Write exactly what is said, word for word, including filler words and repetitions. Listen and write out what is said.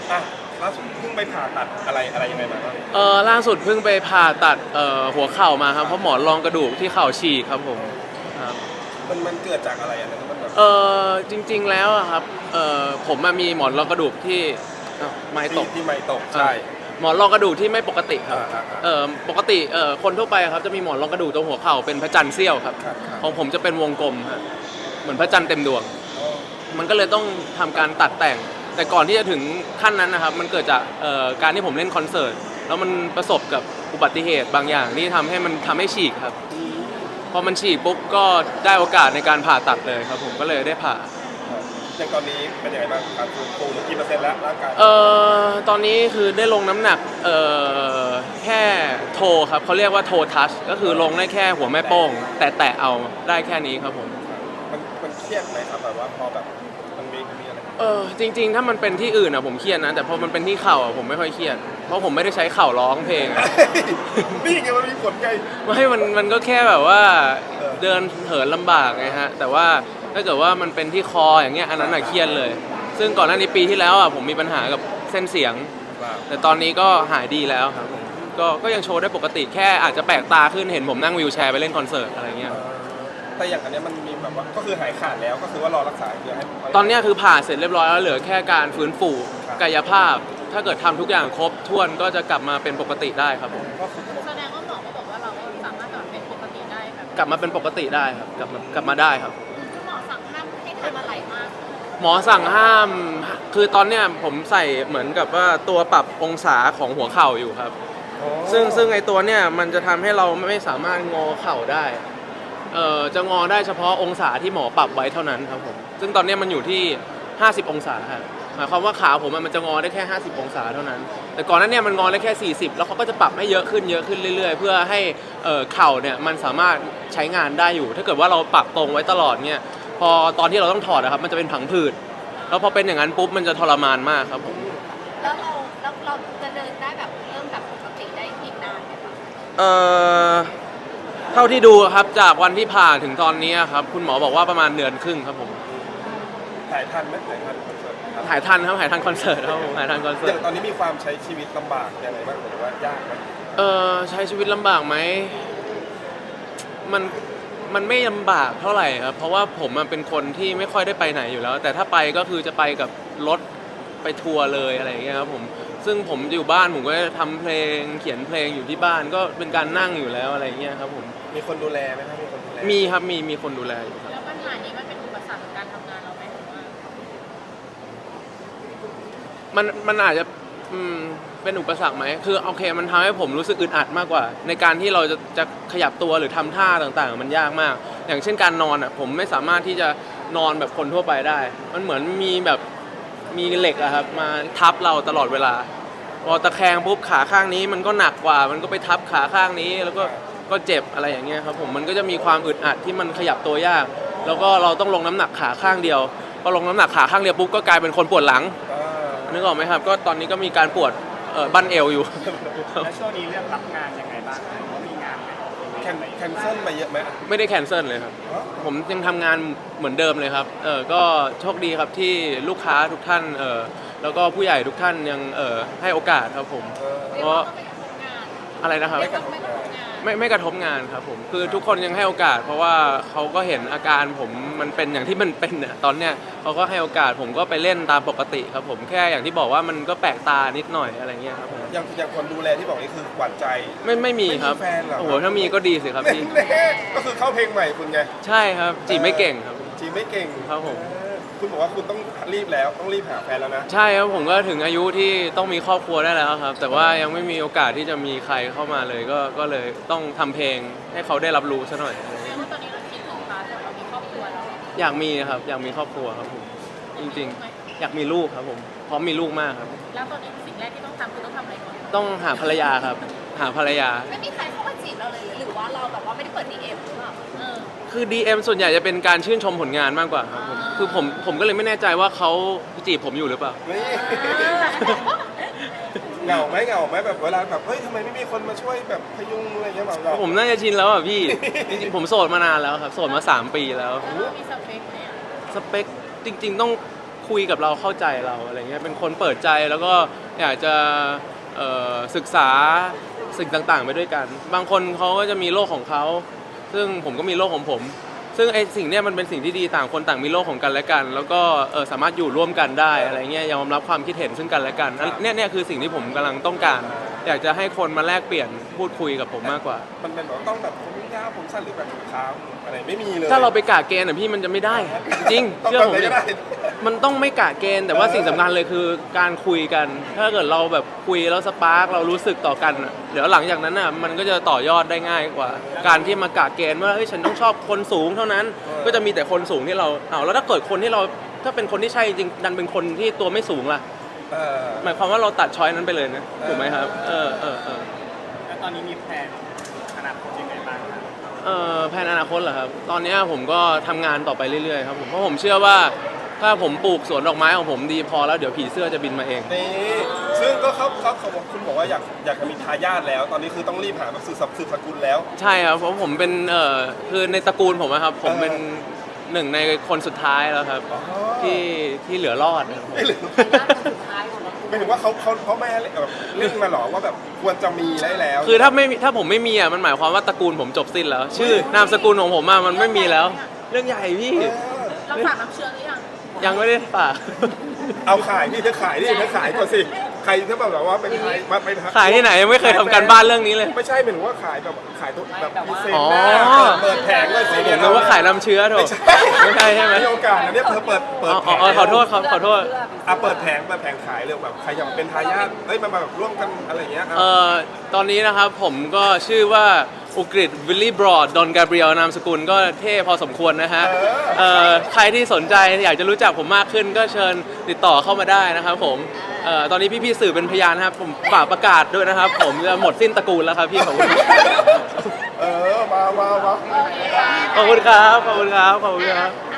อ่ะล่าสุดเพิ่งไปผ่าตัดอะไรอะไรยังไงมาบ้างเออล่าสุดเพิ่งไปผ่าตัดเอ่อหัวเข่ามาครับเพราะหมอนรองกระดูกที่เข่าฉีกครับผมครับมันมันเกิดจากอะไรอ่ะมันแบบเออจริงๆแล้วอะครับเออผมมามีหมอนรองกระดูกที่อ้าวไม้ตที่กที่ไม่ตกใช่หมอนรองกระดูกที่ไม่ปกติครับอ่าอ่าอ่าเออปกติเออคนทั่วไปครับจะมีหมอนรองกระดูกตรงหัวเข่าเป็นพระจันทร์เสี้ยวครับครับครับของผมจะเป็นวงกลมฮะเหมือนพระจันทร์เต็มดวงอ๋อมันก็เลยต้องทำการตัดแต่ง แต่ก่อนที่จะถึงขั้นนั้นนะครับมันเกิดจากเอ่อการที่ผมเล่นคอนเสิร์ตแล้วมันประสบกับอุบัติเหตุบางอย่างที่ทำให้มันทำให้ฉีกครับพอมันฉีกปุ๊บก็ได้โอกาสในการผ่าตัดเลยครับผมก็เลยได้ผ่าอย่างตอนนี้เป็นยังไงบ้างการฟื้นฟูหรือกี่เปอร์เซ็นต์แล้วร่างกายเอ่อตอนนี้คือได้ลงน้ำหนักเอ่อแค่โทครับเขาเรียกว่าโททัชก็คือลงได้แค่หัวแม่โป้งแต่แตะเอาได้แค่นี้ครับผมมันมันเครียดไหมครับแบบว่าพอแบบมันมีมันมีอะไรเออจริงๆถ้ามันเป็นที่อื่นอะผมเครียดนะแต่พอมันเป็นที่เข่าอะผมไม่ค่อยเครียดเพราะผมไม่ได้ใช้เข่าร้องเพลงอะนี่ไงมันมีผลไงไม่มันมันก็แค่แบบว่าเออเดินเหินลำบากไงฮะแต่ว่าถ้าเกิดว่ามันเป็นที่คออย่างเงี้ยอันนั้นอะเครียดเลย ซึ่งก่อนหน้านี้ปีที่แล้วอะผมมีปัญหากับเส้นเสียง แต่ตอนนี้ก็หายดีแล้วครับก็ก็ยังโชว์ได้ปกติแค่อาจจะแปลกตาขึ้นเห็นผมนั่งวีลแชร์ไปเล่นคอนเสิร์ตอะไรเงี้ยแต่อย่างอันเนี้ยมันมีแบบว่าก็คือหายขาดแล้วก็คือว่ารอรักษาเพื่อให้ตอนนี้คือผ่าเสร็จเรียบร้อยแล้วเหลือแค่การฟื้นฟูครับกายภาพ ถ้าเกิดทำทุกอย่างครบถ้วนก็จะกลับมาเป็นปกติได้ครับผมก็คือแสดงว่าหมอก็บอกว่าเราก็สามารถกลับเป็นปกติได้ครับกลับมาเป็นปกติได้ครับกลับมากลับมาได้ครับคุณหมอสั่งห้ามให้ทำอะไรมากหมอสั่งห้ามคือตอนเนี้ยผมใส่เหมือนกับว่าตัวปรับองศาของหัวเข่าอยู่ครับอ๋อซึ่งซึ่งไอตัวเนี้ยมันจะทำให้เราไม่สามารถงอเข่าได้เอ่อจะงอได้เฉพาะองศาที่หมอปรับไว้เท่านั้นครับผมซึ่งตอนเนี้ยมันอยู่ที่ห้าสิบองศาครับหมายความว่าขาผมอะมันจะงอได้แค่ห้าสิบองศาเท่านั้น แต่ก่อนหนั้นเนี่ยมันงอได้แค่สี่สิบแล้วเขาก็จะปรับให้เยอะขึ้นเยอะขึ้นเรื่อยๆ เพื่อให้เอ่อเข่าเนี่ยมันสามารถใช้งานได้อยู่ ถ้าเกิดว่าเราปรับตรงไว้ตลอดเนี่ยพอตอนที่เราต้องถอดนะครับมันจะเป็นผังผืดแล้วพอเป็นอย่างนั้นปุ๊บมันจะทรมานมากครับผมแล้วเราแล้วเราจะเดินได้แบบเริ่มแบบปกติได้อีกนานไหมคะเอ่อเท่าที่ดูครับจากวันที่ผ่าถึงตอนนี้ครับคุณหมอบอกว่าประมาณเดือนครึ่งครับผมถ่ายทันไหมถ่ายทันคอนเสิร์ตครับถ่ายทันครับถ่ายทันคอนเสิร์ตครับผมถ่ายทันคอนอเสิร์ย่าตงตอนนี้มีความใช้ชีวิตลำบากยังไงบ้างหรือว่ายากไหมเอ่อใช้ชีวิตลำบากไหมมันมันไม่ลำบากเท่าไหร่ครับเพราะว่าผมมันเป็นคนที่ไม่ค่อยได้ไปไหนอยู่แล้ว แต่ถ้าไปก็คือจะไปกับรถไปทัวร์เลยอะไรอย่างเงี้ยครับผมซึ่งผมอยู่บ้านผมก็จะทำเพลงเขียนเพลงอยู่ที่บ้านก็เป็นการนั่งอยู่แล้วอะไรอย่างเงี้ยครับผมมีคนดูแลไหมครับมีคนดูแลมีครับมีมีคนดูแลอยู่ครับแล้วปัญหานี้มันเป็นอุปสรรคในการทำงานเราไหมหรือว่ามันมันอาจจะอืมเป็นอุปสรรคไหมคือโอเคมันทำให้ผมรู้สึกอึดอัดมากกว่า ในการที่เราจะจะขยับตัวหรือทำท่าต่างๆ มันยากมาก อย่างเช่นการนอนอ่ะผมไม่สามารถที่จะนอนแบบคนทั่วไปได้ มันเหมือนมีแบบมีเหล็กอะครับมาทับเราตลอดเวลาพอตะแคงปุ๊บขาข้างนี้มันก็หนักกว่า มันก็ไปทับขาข้างนี้แล้วก็ก็เจ็บอะไรอย่างเงี้ยครับผมมันก็จะมีความอึดอัดที่มันขยับตัวยาก แล้วก็เราต้องลงน้ำหนักขาข้างเดียวพอลงน้ำหนักขาข้างเดียวปุ๊บก็กลายเป็นคนปวดหลังอ่านึกออกไหมครับก็ตอนนี้ก็มีการปวดเอ่อบั้นเอวอยู่แล้วช่วงนี้เรื่องรับงานยังไงบ้างครับว่ามีงานไหมแคนแคนเซิลไปเยอะไหมไม่ได้แคนเซิลเลยครับอ๋อผมยังทำงานเหมือนเดิมเลยครับเออก็โชคดีครับที่ลูกค้าทุกท่านเออแล้วก็ผู้ใหญ่ทุกท่านยังเออให้โอกาสครับผมเออเรียกว่าก็ไม่กระทบงานอะไรนะครับเรียกว่าไม่กระทบงานไม่ไม่กระทบงานครับผมคือทุกคนยังให้โอกาส เพราะว่าเขาก็เห็นอาการผมมันเป็นอย่างที่มันเป็นเนี่ยตอนเนี้ยเขาก็ให้โอกาสผมก็ไปเล่นตามปกติครับผมแค่อย่างที่บอกว่ามันก็แปลกตานิดหน่อยอะไรเงี้ยครับผมอย่างอย่างคนดูแลที่บอกนี่คือหวานใจไม่ไม่มีครับไม่มีแฟนเหรอโอ้โหถ้ามีก็ดีสิครับพี่แน่ๆก็คือเข้าเพลงใหม่คุณไงใช่ครับจีบไม่เก่งครับจีไม่เก่งครับผมเออคุณบอกว่าคุณต้องรีบแล้วต้องรีบหาแฟนแล้วนะใช่ครับผมก็ถึงอายุที่ต้องมีครอบครัวได้แล้วครับ แต่ว่ายังไม่มีโอกาสที่จะมีใครเข้ามาเลยก็ก็เลยต้องทำเพลงให้เขาได้รับรู้ซะหน่อยแสดงว่าตอนนี้เราคิดถึงพาร์ทแบบเรามีครอบครัวแล้วอยากมีครับอยากมีครอบครัวครับผมจริงๆ อยากมีลูกครับผมพร้อมมีลูกมากครับแล้วตอนนี้สิ่งแรกที่ต้องทำคือต้องทำอะไรก่อนต้องหาภรรยาครับ หาภรรยาไม่มีใครเข้ามาจีบเราเลยหรือว่าเราแบบว่าไม่ได้เปิด ดี เอ็ม หรือเปล่าเออคือ ดี เอ็ม ส่วนใหญ่จะเป็นการชื่นชมผลงานมากกว่าครับผมอ่าคือผมผมก็เลยไม่แน่ใจว่าเขาจีบผมอยู่หรือเปล่านี่เหงาไหมเหงาไหมแบบเวลาแบบเฮ้ยทำไมไม่มีคนมาช่วยแบบพยุงอะไรอย่างเงี้ยแบบเราผมน่าจะชินแล้วอ่ะพี่ จริงๆผมโสดมานานแล้วครับโสดมาสามปีแล้วแล้วเรามีสเปคไหมอะสเปคจริงๆต้องคุยกับเราเข้าใจเราอะไรเงี้ยเป็นคนเปิดใจแล้วก็อยากจะเอ่อศึกษาสิ่งต่างๆไปด้วยกัน บางคนเขาก็จะมีโลกของเขาซึ่งผมก็มีโลกของผม ซึ่งไอ้สิ่งเนี้ยมันเป็นสิ่งที่ดีต่างคนต่างมีโลกของกันและกัน แล้วก็เออสามารถอยู่ร่วมกันได้อะไรเงี้ยยอมรับความคิดเห็นซึ่งกันและกันอันเนี่ยเนี่ยคือสิ่งที่ผมกำลังต้องการ อยากจะให้คนมาแลกเปลี่ยนพูดคุยกับผมมากกว่ามันเป็นแบบต้องแบบผมยาวผมสั้นหรือแบบขาวอะไรไม่มีเลยถ้าเราไปกะเกณฑ์อ่ะพี่มันจะไม่ได้ จริงต้องเชื่อผมแบบไหนดิก็ได้มันต้องไม่กะเกณฑ์แต่ว่าเออสิ่งสำคัญเลยคือการคุยกัน ถ้าเกิดเราแบบคุยแล้วสปาร์กเรารู้สึกต่อกันอะเดี๋ยวหลังจากนั้นอ่ะมันก็จะต่อยอดได้ง่ายกว่า การที่มากะเกณฑ์ว่าเฮ้ยฉันต้องชอบคนสูงเท่านั้น ก็จะมีแต่คนสูงที่เราเอาแล้วถ้าเกิดคนที่เราถ้าเป็นคนที่ใช่จริงดันเป็นคนที่ตัวไม่สูงล่ะเออหมายความว่าเราตัดช้อยนั้นไปเลยนะถูกไหมครับเออเออเออแล้วตอนนี้มีแผนอนาคตยังไงบ้างครับเอ่อแผนอนาคตเหรอครับ ตอนนี้ผมก็ทำงานต่อไปเรื่อยๆครับผมเพราะผมเชื่อว่าถ้าผมปลูกสวนดอกไม้ของผมดีพอแล้วเดี๋ยวผีเสื้อจะบินมาเองนี่ซึ่งก็เขาเขาเขาบอกคุณบอกว่าอยากอยากจะมีทายาทแล้ว ตอนนี้คือต้องรีบหาแบบสืบสับสืบสกุลแล้วใช่ครับเพราะผมเป็นเอ่อคือในตระกูลผมอะครับผมเป็นหนึ่งในคนสุดท้ายแล้วครับอ๋อที่ที่เหลือรอดนะครับผมไม่หรือสุดท้ายของเราไม่ถึงว่าเขาเขาเขาไม่ให้แบบเร่งมาหรอว่าแบบควรจะมีได้แล้วคือถ้าไม่มีถ้าผมไม่มีอ่ะมันหมายความว่าตระกูลผมจบสิ้นแล้ว ชื่อนามสกุลของผมอะมันไม่มีแล้ว เรื่องใหญ่พี่เออเราฝากน้ำเชื้อหรือยังยังไม่ได้ฝากเอาขายพี่เธอขายดิเธอขายก่อนสิใครถ้าแบบว่าเป็นใครมาเป็นขายที่ไหนยังไม่เคยทำการบ้านเรื่องนี้เลยไม่ใช่หมายถึงว่าขายแบบขายตัวแบบพิเศษอ๋อหน้าเปิดแผงเลยสิผมนึกว่าขายน้ำเชื้อถูกไม่ใช่ไม่ใช่ใช่ไหมมีโอกาสนะเนี่ยเธอเปิดเปิดอ๋อแผอ๋อง อ๋อขอโทษครับขอโทษอ่ะเปิดแผงเปิดแผงขายเลยแบบใครอยากเป็นทายาทเอ้ยมาแบบร่วมกันอะไรอย่างเงี้ยอ่ะเอ่อตอนนี้นะครับผมก็ชื่อว่าอุกฤษวิลลี่บรอดดอนกาเบรียลนามสกุลก็เท่พอสมควรนะฮะเอ่อใครที่สนใจอยากจะรู้จักผมมากขึ้นก็เชิญติดต่อเข้ามาได้นะครับผมเอ่อตอนนี้พี่ๆสื่อเป็นพยานนะครับผมฝากประกาศด้วยนะครับ ผมจะหมดสิ้นตระกูลแล้วครับพี่ขอบคุณเออมามามาขอบคุณครับขอบคุณครับขอบคุณครับ